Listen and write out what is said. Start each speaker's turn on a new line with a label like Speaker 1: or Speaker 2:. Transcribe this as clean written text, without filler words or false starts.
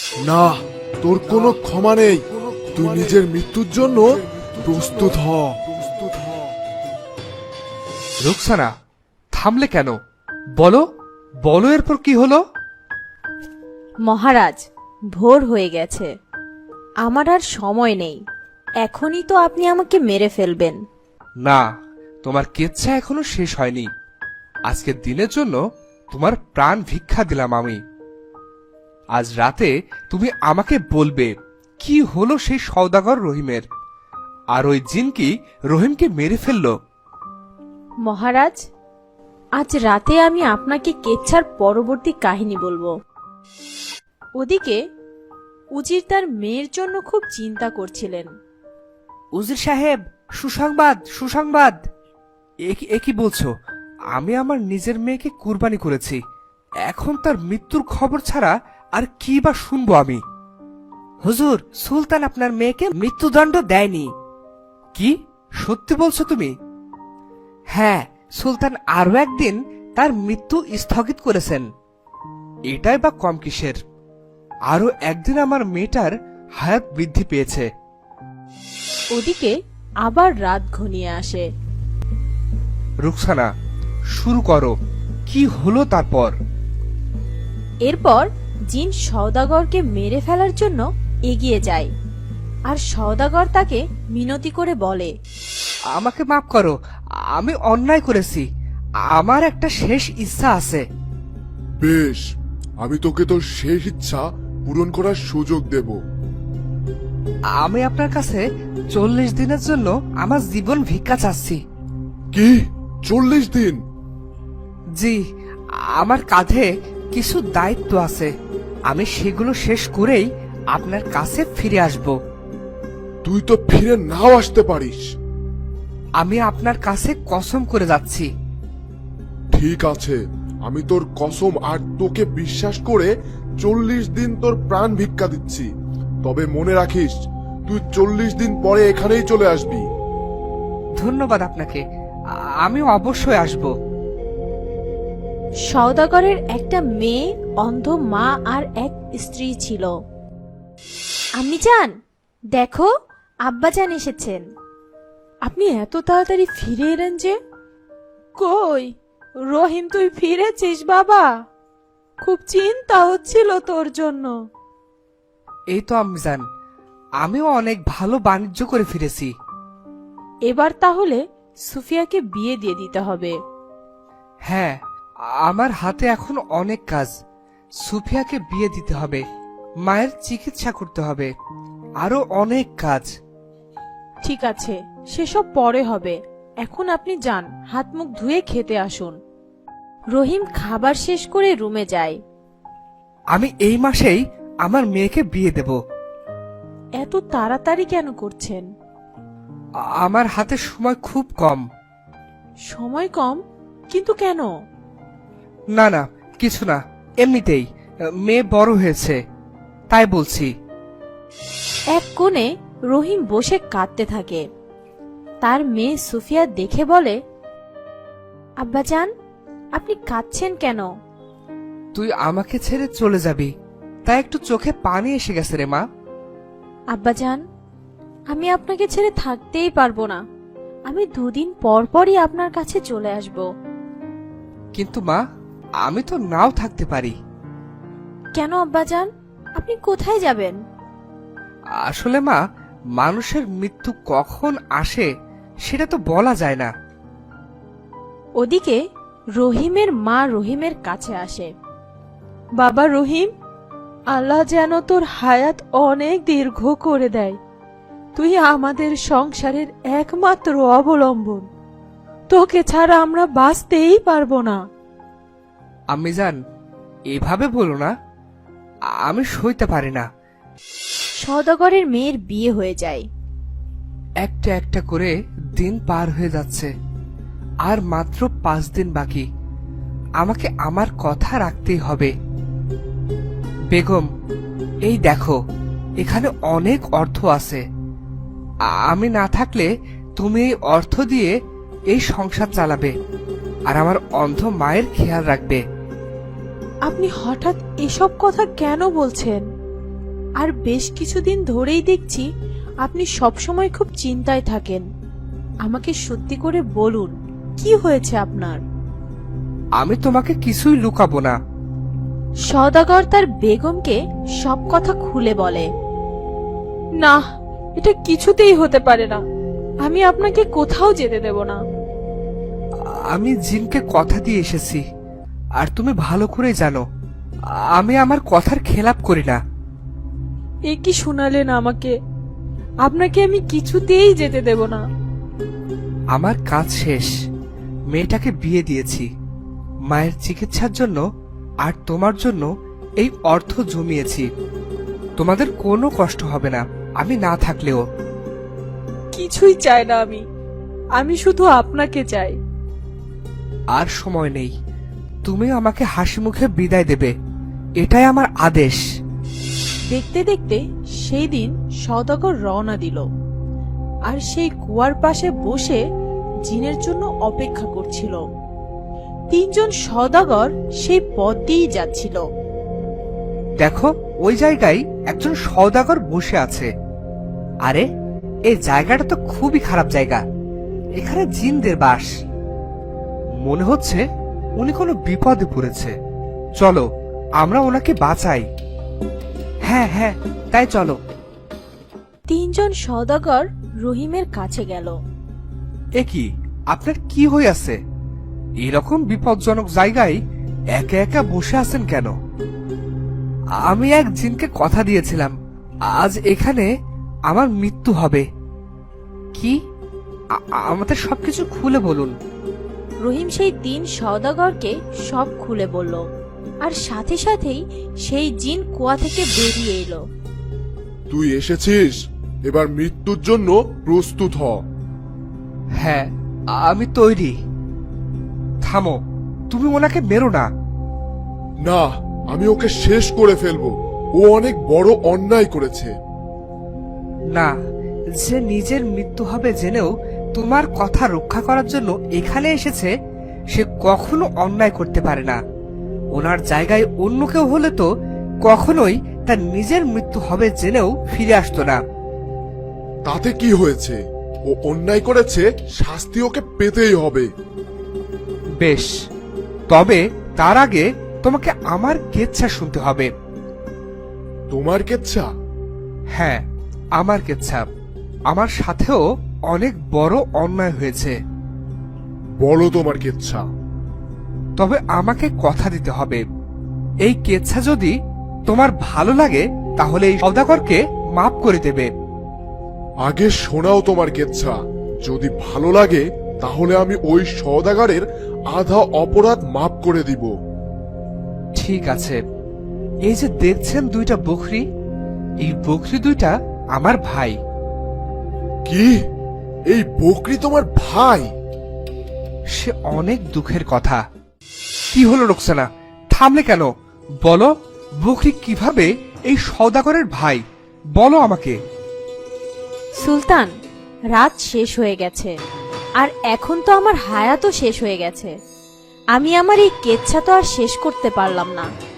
Speaker 1: না, তোর কোনো ক্ষমা নেই। তুই নিজের মৃত্যুর জন্য প্রস্তুত হ।
Speaker 2: রুকসানা, থামলে কেন? বলো বলো, এরপর কি হলো?
Speaker 3: মহারাজ, ভোর হয়ে গেছে, আমার আর সময় নেই। এখনই তো আপনি আমাকে মেরে ফেলবেন।
Speaker 2: না, তোমার কেচ্ছা এখনো শেষ হয়নি। আজকের দিনের জন্য তোমার প্রাণ ভিক্ষা দিলাম আমি। আজ রাতে তুমি আমাকে বলবে কি হলো সেই সওদাগর রহিমের, আর ওই জিন কি রহিমকে মেরে ফেললো।
Speaker 3: মহারাজ, আজ রাতে আমি আপনাকে কেচ্ছার পরবর্তী কাহিনী বলবো। ওদিকে উজির তার মেয়ের জন্য খুব চিন্তা করছিলেন।
Speaker 2: উজির সাহেব, সুসংবাদ সুসংবাদ। এ কি বলছো? আমি আমার নিজের মেয়েকে কুরবানি করেছি, এখন তার মৃত্যুর খবর ছাড়া আর কি বা শুনবো আমি? হুজুর, সুলতান আপনার মেয়েকে মৃত্যুদণ্ড দেয়নি। কি সত্যি বলছো তুমি? হ্যাঁ, সুলতান আরো একদিন তার মৃত্যু স্থগিত করেছেন। এটাই বা কম কিসের? আরো একদিন আমার মেয়েটার হায়াত বৃদ্ধি পেয়েছে।
Speaker 3: ওদিকে আবার রাত ঘনিয়ে আসে।
Speaker 2: রুকসানা, শুরু করো, কি হলো তারপর?
Speaker 3: এরপর জিন সওদাগরকে মেরে ফেলার জন্য এগিয়ে যায়, আর সওদাগর তাকে মিনতি করে বলে,
Speaker 2: আমাকে মাফ করো, আমি অন্যায় করেছি। আমার একটা শেষ ইচ্ছা আছে।
Speaker 1: বেশ, আমি তোকে তোর শেষ ইচ্ছা পূরণ করার সুযোগ দেব।
Speaker 2: আমি আপনার কাছে 40 দিনের জন্য আমার জীবন ভিক্ষা চাচ্ছি।
Speaker 1: কি 40 দিন?
Speaker 2: জি, আমার কাঁধে কিছু দায়িত্ব আছে, আমি সেগুলো শেষ করেই আপনার কাছে ফিরে আসব।
Speaker 1: তুই তো ফিরে নাও আসতে পারিস।
Speaker 2: আমি আপনার কাছে কসম করে যাচ্ছি।
Speaker 1: ঠিক আছে, আমি তোর কসম আর তোকে বিশ্বাস করে 40 দিন তোর প্রাণ ভিক্ষা দিচ্ছি। তবে মনে রাখিস, তুই 40 দিন পরে এখানেই চলে আসবি।
Speaker 2: ধন্যবাদ আপনাকে, আমি অবশ্যই আসব।
Speaker 3: সওদাগরের একটা মেয়ে, অন্ধ মা আর এক স্ত্রী ছিল। আম্মি জান, দেখো, আব্বাজান এসেছেন। আপনি এত তাড়াতাড়ি ফিরে এলেন যে? কই রহিম, তুই ফিরেছিস বাবা? খুব চিন্তা হচ্ছিল তোর জন্য।
Speaker 2: এই তো আম্মিজান, আমিও অনেক ভালো বাণিজ্য করে ফিরেছি।
Speaker 3: এবার তাহলে সুফিয়াকে বিয়ে দিয়ে দিতে হবে।
Speaker 2: হ্যাঁ, আমার হাতে এখন অনেক কাজ। সুফিয়াকে বিয়ে দিতে হবে, মায়ের চিকিৎসা করতে হবে, আরো অনেক কাজ।
Speaker 3: ঠিক আছে, সেসব পরে হবে। এখন আপনি যান, হাত মুখ ধুয়ে খেতে আসুন। রহিম খাবার শেষ করে রুমে যায়।
Speaker 2: আমি এই মাসেই আমার মেয়েকে বিয়ে দেব।
Speaker 3: এত তাড়াতাড়ি কেন করছেন?
Speaker 2: আমার হাতে সময় খুব কম।
Speaker 3: সময় কম? কিন্তু কেন?
Speaker 2: না না, কিছু না, এমনিতেই মেয়ে বড় হয়েছে, তাই বলছি।
Speaker 3: এক কোণে রহিম বসে কাঁদতে থাকে। তার মেয়ে সুফিয়া দেখে বলে, আব্বাজান, আপনি কাঁদছেন কেন?
Speaker 2: তুই আমাকে ছেড়ে চলে যাবি, তাই একটু চোখে পানি এসে গেছে রে মা।
Speaker 3: আব্বাজান, আমি আপনাকে ছেড়ে থাকতেই পারবো না। আমি দুদিন পর পরই আপনার কাছে চলে আসব।
Speaker 2: কিন্তু মা, আমি তো নাও থাকতে পারি।
Speaker 3: কেন আব্বাজান, আপনি কোথায় যাবেন?
Speaker 2: আসলে মা, মানুষের মৃত্যু কখন আসে সেটা তো বলা যায় না।
Speaker 3: ওদিকে রহিমের মা রহিমের কাছে আসে। বাবা রহিম, আল্লাহ যেন তোর হায়াত অনেক দীর্ঘ করে দেয়। তুই আমাদের সংসারের একমাত্র অবলম্বন। তোকে ছাড়া আমরা বাঁচতেই পারবো না।
Speaker 2: আম্মিজান, এভাবে বলো না, আমি সইতে পারি না।
Speaker 3: সওদাগরের মেয়ের বিয়ে হয়ে যায়।
Speaker 2: একটা একটা করে দিন পার হয়ে যাচ্ছে, আর মাত্র 5 দিন বাকি। আমাকে আমার কথা রাখতেই হবে। বেগম, এই দেখো, এখানে অনেক অর্থ আছে। আমি না থাকলে তুমি এই অর্থ দিয়ে এই সংসার চালাবে, আর আমার অন্ধ মায়ের খেয়াল রাখবে।
Speaker 3: আপনি হঠাৎ এসব কথা কেন বলছেন? আর বেশ কিছুদিন ধরেই দেখছি আপনি সবসময় খুব চিন্তায় থাকেন। আমাকে সত্যি করে বলুন, কি হয়েছে আপনার?
Speaker 2: আমি তোমাকে কিছুই লুকাবো না।
Speaker 3: সওদাগর তার বেগমকে সব কথা খুলে বলে। না, এটা কিছুতেই হতে পারে না। আমি আপনাকে কোথাও যেতে দেব না।
Speaker 2: আমি জিনকে কথা দিয়ে এসেছি, আর তুমি ভালো করে জানো আমি আমার কথার খেলাপ করি না।
Speaker 3: এ কি শোনালেন আমাকে? আপনাকে আমি কিছুতেই যেতে দেব না।
Speaker 2: আমার কাজ শেষ, মেয়েটাকে বিয়ে দিয়েছি। মায়ের চিকিৎসার জন্য আর তোমার জন্য এই অর্থ জমিয়েছি। তোমাদের কোনো কষ্ট হবে না আমি না থাকলেও।
Speaker 3: কিছুই চাই না আমি শুধু আপনাকে চাই।
Speaker 2: আর সময় নেই, তুমি আমাকে হাসি মুখে বিদায় দেবে, এটাই আমার আদেশ।
Speaker 3: দেখতে দেখতে সেই দিন সওদাগর রওনা দিল, আর সেই কুয়ার পাশে বসে জিনের জন্য অপেক্ষা করছিল। তিনজন সওদাগর সেই পথ দিয়েই যাচ্ছিল।
Speaker 2: দেখো, ওই জায়গায় একজন সওদাগর বসে আছে। আরে, এই জায়গাটা তো খুবই খারাপ জায়গা, এখানে জিনদের বাস। মনে হচ্ছে উনি কোনো বিপদে পড়েছে। চলো আমরা ওনাকে বাঁচাই। হ্যাঁ হ্যাঁ, তাই চলো।
Speaker 3: তিনজন সওদাগর রহিমের কাছে গেল।
Speaker 2: এ কি, আপনার কি হয়ে আছে? এরকম বিপজ্জনক জায়গায় একা একা বসে আছেন কেন? আমি এক জিনকে কথা দিয়েছিলাম আজ এখানে আমার মৃত্যু হবে। কি? আমাদের সবকিছু খুলে বলুন।
Speaker 3: রহিম সেই তিন সওদাগরকে সব খুলে বলল, আর সাথে সাথেই সেই জিন কুয়া থেকে বেরিয়ে এলো।
Speaker 1: তুই এসেছিস, এবার মৃত্যুর জন্য প্রস্তুত হ।
Speaker 2: হ্যাঁ, আমি তৈরি। থামো, তুমি ওনাকে মেরো না।
Speaker 1: না, আমি ওকে শেষ করে ফেলবো। ও অনেক বড় অন্যায় করেছে।
Speaker 2: না, যে নিজের মৃত্যু হবে জেনেও তোমার কথা রক্ষা করার জন্য এখানে এসেছে, সে কখনো অন্যায় করতে পারে না। ওনার জায়গায় অন্য কেউ হলে তো কখনোই তার নিজের মৃত্যু হবে জেনেও ফিরে আসতো না।
Speaker 1: তাতে কি হয়েছে? ও অন্যায় করেছে, শাস্তি ওকে পেতেই হবে।
Speaker 2: বেশ, তবে তার আগে তোমাকে আমার কেচ্ছা শুনতে হবে।
Speaker 1: তোমার কেচ্ছা?
Speaker 2: হ্যাঁ, আমার কেচ্ছা। আমার সাথেও অনেক বড় অন্যায় হয়েছে।
Speaker 1: বলো তোমার কেচ্ছা।
Speaker 2: তবে আমাকে কথা দিতে হবে, এই কেচ্ছা যদি তোমার ভালো লাগে তাহলে এই সওদাগরকে মাফ করে দেবে।
Speaker 1: আগে শোনাও তোমার কেচ্ছা। যদি ভালো লাগে তাহলে আমি ওই সওদাগরের আধা অপরাধ মাফ করে দিব।
Speaker 2: ঠিক আছে, এই যে দেখছেন দুইটা বকরি, এই বকরি দুইটা আমার ভাই।
Speaker 1: কি? এই বকরি তোমার ভাই?
Speaker 2: সে অনেক দুঃখের কথা। কি হলো রোকসানা, থামলে কেন? বলো, বকরি কিভাবে এই সওদাগরের ভাই? বলো আমাকে।
Speaker 3: সুলতান, রাত শেষ হয়ে গেছে, আর এখন তো আমার হায়াতও শেষ হয়ে গেছে। আমি আমার এই কেচ্ছা তো আর শেষ করতে পারলাম না।